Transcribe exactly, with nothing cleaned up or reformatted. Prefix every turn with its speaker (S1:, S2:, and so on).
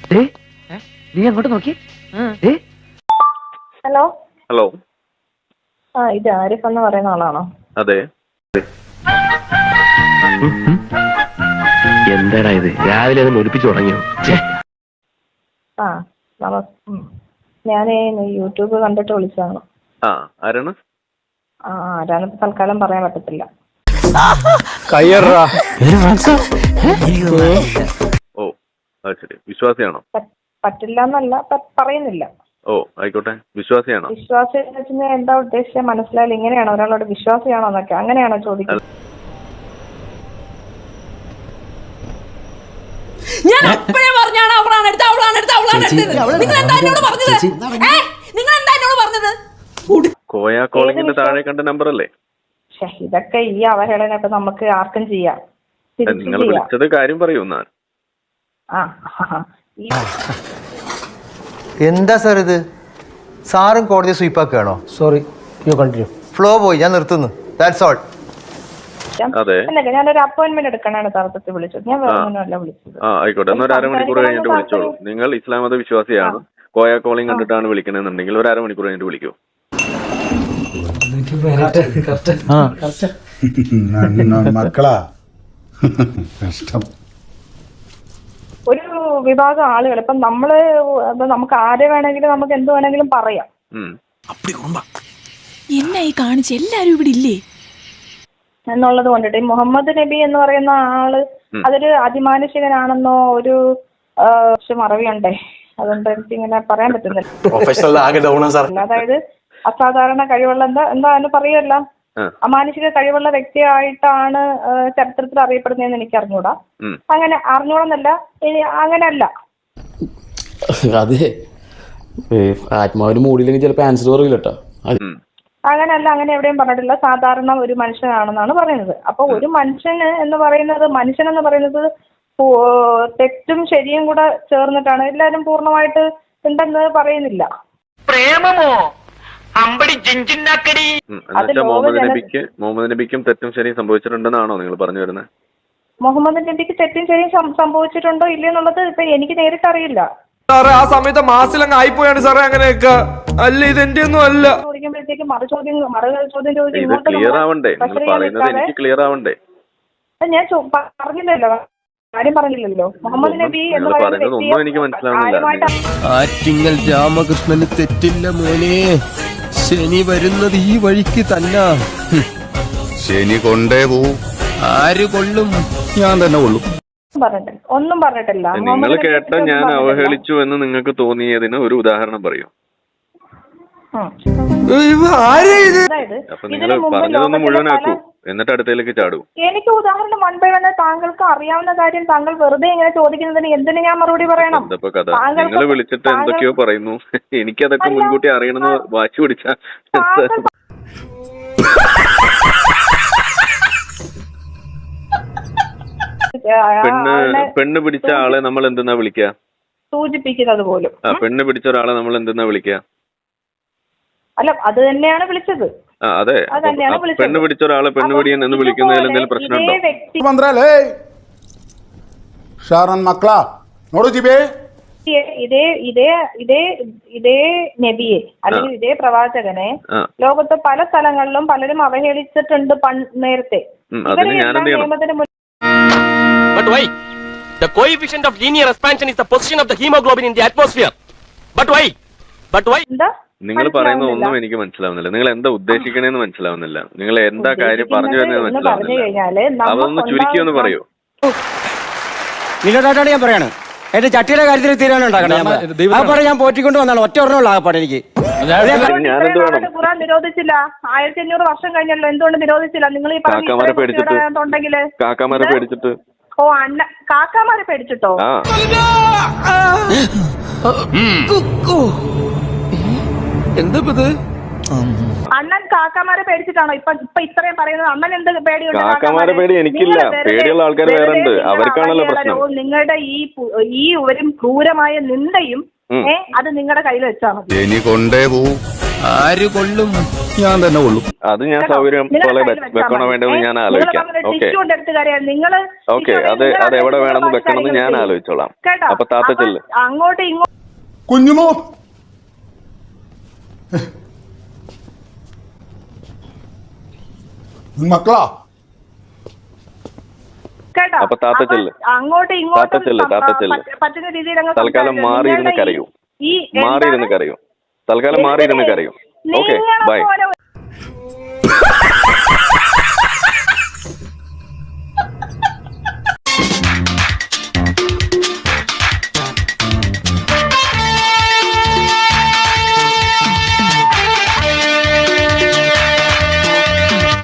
S1: നീ അങ്ങോട്ട് നോക്കി.
S2: Hello
S3: hello.
S2: ആ ഇത് ആരിഫ് എന്ന് പറയുന്ന ആളാണോ?
S3: അതെ.
S1: എന്താടാ ഇത്, രാവിലെ അത് ഒലിപ്പിച്ചു തുടങ്ങിയോ?
S2: ആ ഞാൻ യൂട്യൂബ് കണ്ടിട്ട് വിളിച്ചതാണ്.
S3: ആ ആരാണ്?
S2: ആ ആരാണ് തൽക്കാലം പറയാൻ പറ്റത്തില്ല.
S3: ഓ അത് ശരി. വിശ്വാസിയാണോ?
S2: പറ്റില്ല എന്നല്ല, പറയുന്നില്ല.
S3: ഓ ആയിക്കോട്ടെ. വിശ്വാസിയാണോ?
S2: വിശ്വാസി എന്ന് വെച്ചാൽ എന്താ ഉദ്ദേശിച്ച മനസ്സിലായാലും ഇങ്ങനെയാണോ ഒരാളോട് വിശ്വാസിയാണോ എന്നൊക്കെ അങ്ങനെയാണോ ചോദിക്കുന്നത്?
S4: ഞാൻ അപ്പോഴേ പറഞ്ഞാണ് അവളാണ് എടുത്ത് അവളാണ് എടുത്ത് അവളാണ് എടുത്തത്. നിങ്ങൾ എന്താ എന്നോട് പറഞ്ഞത്? നിങ്ങൾ എന്താ എന്നോട് പറഞ്ഞത്?
S3: കോയ കോളിങ്ങിന്റെ താഴെ കണ്ട നമ്പർ അല്ലേ?
S2: ഇതൊക്കെ ഈ അവഹേളനൊക്കെ നമുക്ക് ആർക്കും ചെയ്യാം.
S3: നിങ്ങൾ വിളിച്ചത് കാര്യം പറയൂ.
S5: എന്താ സാർ ഇത്? സാറും കോടതി സ്വീപ്പാക്കുകയാണോ?
S6: Sorry, you continue.
S5: ഫ്ലോ പോയി, ഞാൻ നിർത്തുന്നു. That's all.
S2: ഞാനൊരു അപ്പോയിന്റ്മെന്റ് എടുക്കാനാണ് തർക്കത്തിൽ വിളിച്ചത്. ഞാൻ വേറൊന്നുമല്ല വിളിച്ചത്.
S3: ആ ആയിക്കോട്ടെ. എന്നാൽ ഒരു അരമണിക്കൂർ കഴിഞ്ഞിട്ട് വിളിച്ചോളൂ. നിങ്ങൾ ഇസ്ലാം മത വിശ്വാസിയാണ്, കോയ കോളിംഗ് കണ്ടിട്ടാണ് വിളിക്കണമെന്നുണ്ടെങ്കിൽ ഒരു അരമണിക്കൂർ കഴിഞ്ഞിട്ട് വിളിക്കൂ.
S7: മക്കളാ കഷ്ടം.
S2: ഒരു വിഭാഗം ആളുകൾ ഇപ്പം നമ്മള് നമുക്ക് ആരെ വേണമെങ്കിലും നമുക്ക് എന്ത് വേണമെങ്കിലും പറയാം
S4: എന്നെ ഈ കാണിച്ച് എല്ലാരും ഇവിടെ ഇല്ലേ
S2: എന്നുള്ളത് കൊണ്ടിട്ട് മുഹമ്മദ് നബി എന്ന് പറയുന്ന ആള് അതൊരു അതിമാനുഷികനാണെന്നോ ഒരു മറവിയുണ്ടേ. അതുകൊണ്ട് എനിക്ക് ഇങ്ങനെ പറയാൻ പറ്റുന്നില്ല. അതായത് അസാധാരണ കഴിവുള്ള എന്താ എന്താ അതിന് പറയുമല്ല, അമാനുഷിക കഴിവുള്ള വ്യക്തിയായിട്ടാണ് ചരിത്രത്തിൽ അറിയപ്പെടുന്നതെന്ന് എനിക്ക് അറിഞ്ഞൂടാ. അങ്ങനെ അറിഞ്ഞൂടെന്നല്ല, അങ്ങനെയല്ല.
S6: അതെ, ആത്മാവിന് മൂടിയില്ലെങ്കിൽ ചിലപ്പോ ആൻസർ പറയില്ല കേട്ടോ.
S2: അങ്ങനെയല്ല, അങ്ങനെ എവിടെയും പറഞ്ഞിട്ടില്ല. സാധാരണ ഒരു മനുഷ്യനാണെന്നാണ് പറയുന്നത്. അപ്പൊ ഒരു മനുഷ്യന് എന്ന് പറയുന്നത്, മനുഷ്യൻ എന്ന് പറയുന്നത് തെറ്റും ശരിയും കൂടെ ചേർന്നിട്ടാണ്. എല്ലാരും പൂർണ്ണമായിട്ട് ഉണ്ടെന്ന് പറയുന്നില്ല.
S1: പ്രേമമോ
S3: മുഹമ്മദ് നബിക്ക് മുഹമ്മദ് നബിക്കും തെറ്റും ശരിയും സംഭവിച്ചിട്ടുണ്ടെന്നാണോ നിങ്ങൾ പറഞ്ഞു വരുന്നത്?
S2: മുഹമ്മദ് നബിക്ക് തെറ്റും ശരിയും സംഭവിച്ചിട്ടുണ്ടോ ഇല്ലെന്നുള്ളത് ഇപ്പൊ എനിക്ക് നേരിട്ട് അറിയില്ല.
S8: സാറേ ആ സമയത്ത് മാസിലങ്ങ് ആയിപ്പോയാണ് സാറേ. അങ്ങനെയൊക്കെ അല്ല, ഇതെന്റെ ഒന്നും അല്ല.
S2: ചോദിക്കുമ്പോഴത്തേക്ക് മറു ചോദ്യം മറു ചോദ്യം ചോദിച്ചു
S3: ക്ലിയർ ആവണ്ടേ? നിങ്ങൾ പറയുന്നത് എനിക്ക് ക്ലിയർ ആവണ്ടേ?
S2: ഞാൻ പറഞ്ഞില്ലല്ലോ, കാര്യം പറഞ്ഞില്ലല്ലോ. മുഹമ്മദ് നബി എന്ന്
S3: പറയുന്നത് എനിക്ക് മനസ്സിലാവുന്നില്ല.
S6: ആറ്റിങ്ങൽ രാമകൃഷ്ണന് തെറ്റില്ല മോനെ. ശനി വരുന്നത് ഈ വഴിക്ക് തന്നെ.
S7: ശനി കൊണ്ടേ പോവും.
S6: ആര് കൊള്ളും?
S7: ഞാൻ തന്നെ കൊള്ളും.
S2: ഒന്നും പറഞ്ഞിട്ടില്ല.
S3: നിങ്ങൾ കേട്ട ഞാൻ അവഹേളിച്ചു എന്ന് നിങ്ങൾക്ക് തോന്നിയതിന് ഒരു ഉദാഹരണം പറയൂ. അപ്പൊ നിങ്ങൾ പറഞ്ഞതൊന്ന് മുഴുവനാക്കൂ, എന്നിട്ട് അടുത്തേക്ക് ചാടൂ.
S2: എനിക്ക് ഉദാഹരണം വൺ ബൈ വൺ താങ്കൾക്ക് അറിയാവുന്ന കാര്യം താങ്കൾ വെറുതെ ഇങ്ങനെ ചോദിക്കുന്നതിന് എന്തിനു ഞാൻ മറുപടി പറയണം?
S3: എന്തപ്പോ കഥ? നിങ്ങൾ വിളിച്ചിട്ട് എന്തൊക്കെയോ പറയുന്നു. എനിക്കതൊക്കെ മുൻകൂട്ടി അറിയണമെന്ന് വാശി പിടിച്ച പെണ്ണ് പെണ്ണ് പിടിച്ച ആളെ നമ്മൾ എന്തെന്നാ വിളിക്കുക?
S2: സൂചിപ്പിക്കുന്നത് പോലും.
S3: ആ പെണ്ണ് പിടിച്ച ഒരാളെ നമ്മൾ എന്തെന്നാ വിളിക്കുക?
S2: അല്ല, അത് തന്നെയാണ് വിളിച്ചത്.
S3: ആ അതെ, പെണ്ണ് പിടിച്ച ഒരാളെ പെണ്ണുപിടിയൻ എന്ന് വിളിക്കുന്നതിൽ എന്തെങ്കിലും പ്രശ്നമുണ്ടോ?
S7: മക്കളാ നോടു ജിബേ,
S2: ഇതേ ഇതേ ഇതേ ഇതേ നബിയെ അല്ലെങ്കിൽ ഇതേ പ്രവാചകനെ ലോകത്ത് പല സ്ഥലങ്ങളിലും പലരും അവഹേളിച്ചിട്ടുണ്ട് നേരത്തെ. നിയമത്തിന്
S9: But why? The coefficient of linear expansion is the position of the hemoglobin in the atmosphere. But why? But why?
S3: നിങ്ങൾ പറയുന്ന ഒന്നും എനിക്ക് മനസ്സിലാവുന്നില്ല. നിങ്ങൾ എന്താ ഉദ്ദേശിക്കണേന്ന് മനസ്സിലാവുന്നില്ല. നിങ്ങൾ എന്താ കാര്യം പറഞ്ഞു വരുന്നത് മനസ്സിലാവുന്നില്ല. അതൊന്ന് ചുരുക്കി ഒന്ന് പറയൂ.
S6: നിന്നോട്ടാണ് ഞാൻ പറയാണ്. എന്റെ ചട്ടിയുടെ കാര്യത്തിൽ തീരുമാനം ഞാൻ പോറ്റിക്കൊണ്ട് വന്നാണ്. ഒറ്റ ഒരെണ്ണമുള്ള ആകപ്പാടെ എനിക്ക്.
S2: ഖുർആൻ നിരോധിച്ചില്ല. ആയിരത്തി അഞ്ഞൂറ് വർഷം കഴിഞ്ഞല്ലോ, എന്തുകൊണ്ട് നിരോധിച്ചില്ല? നിങ്ങൾ ഈ
S3: കാക്കാമാരെ പേടിച്ചിട്ട് കാക്കാമാരെ പേടിച്ചിട്ട്
S2: ഓ അണ്ണ കാക്കാമാരെ പേടിച്ചിട്ടോ?
S6: എന്താ
S2: അണ്ണൻ കാക്കാമാരെ പേടിച്ചിട്ടാണോ ഇപ്പൊ ഇപ്പൊ ഇത്രയും പറയുന്നത്? അണ്ണൻ എന്ത് പേടിയുണ്ട്?
S3: കാക്കാമാരെ പേടി എനിക്കില്ല. പേടിയുള്ള ആൾക്കാർ വേറെ ഉണ്ട്, അവർക്കാണല്ലോ പ്രശ്നം.
S2: നിങ്ങളുടെ ഈ ഈ ഒരു ക്രൂരമായ നിന്ദയും ഏ അത് നിങ്ങളുടെ കയ്യിൽ വെച്ചാൽ മതി.
S7: ശനി കൊണ്ടേ പോവും.
S6: ആര് കൊള്ളും?
S7: ഞാൻ തന്നെ കൊള്ളും.
S3: അത് ഞാൻ സൗകര്യം പോലെ വെക്കണോ വേണ്ടതെന്ന് ഞാൻ ആലോചിക്കാം. ഓക്കെ ഓക്കെ അത് അത് എവിടെ വേണമെന്ന് വെക്കണമെന്ന് ഞാൻ ആലോചിച്ചോളാം. അപ്പൊ താത്ത ചെല്ല്.
S2: അങ്ങോട്ട് ഇങ്ങോട്ട്
S7: കുഞ്ഞുമോ മക്കളാ
S3: അപ്പൊ താത്ത ചെല്ല്.
S2: അങ്ങോട്ട്
S3: താത്ത
S2: ഇങ്ങോട്ടും
S3: ചെല്ല് താത്ത ചെല്ല്.
S2: പറ്റുന്ന രീതിയിൽ അങ്ങ്
S3: തൽക്കാലം
S2: സംസാരിക്കുക.
S3: മാറിയിരുന്ന്
S2: നിങ്ങളുടെ
S3: കരയൂ.
S2: ഈ
S3: മാറിയിരുന്ന്
S2: എന്താണ്?
S3: കരയൂ. തൽക്കാലം മാറിയിരുന്ന് കരയൂ. ഓക്കെ
S2: നിങ്ങളെ
S3: ബൈ.
S2: പോലെ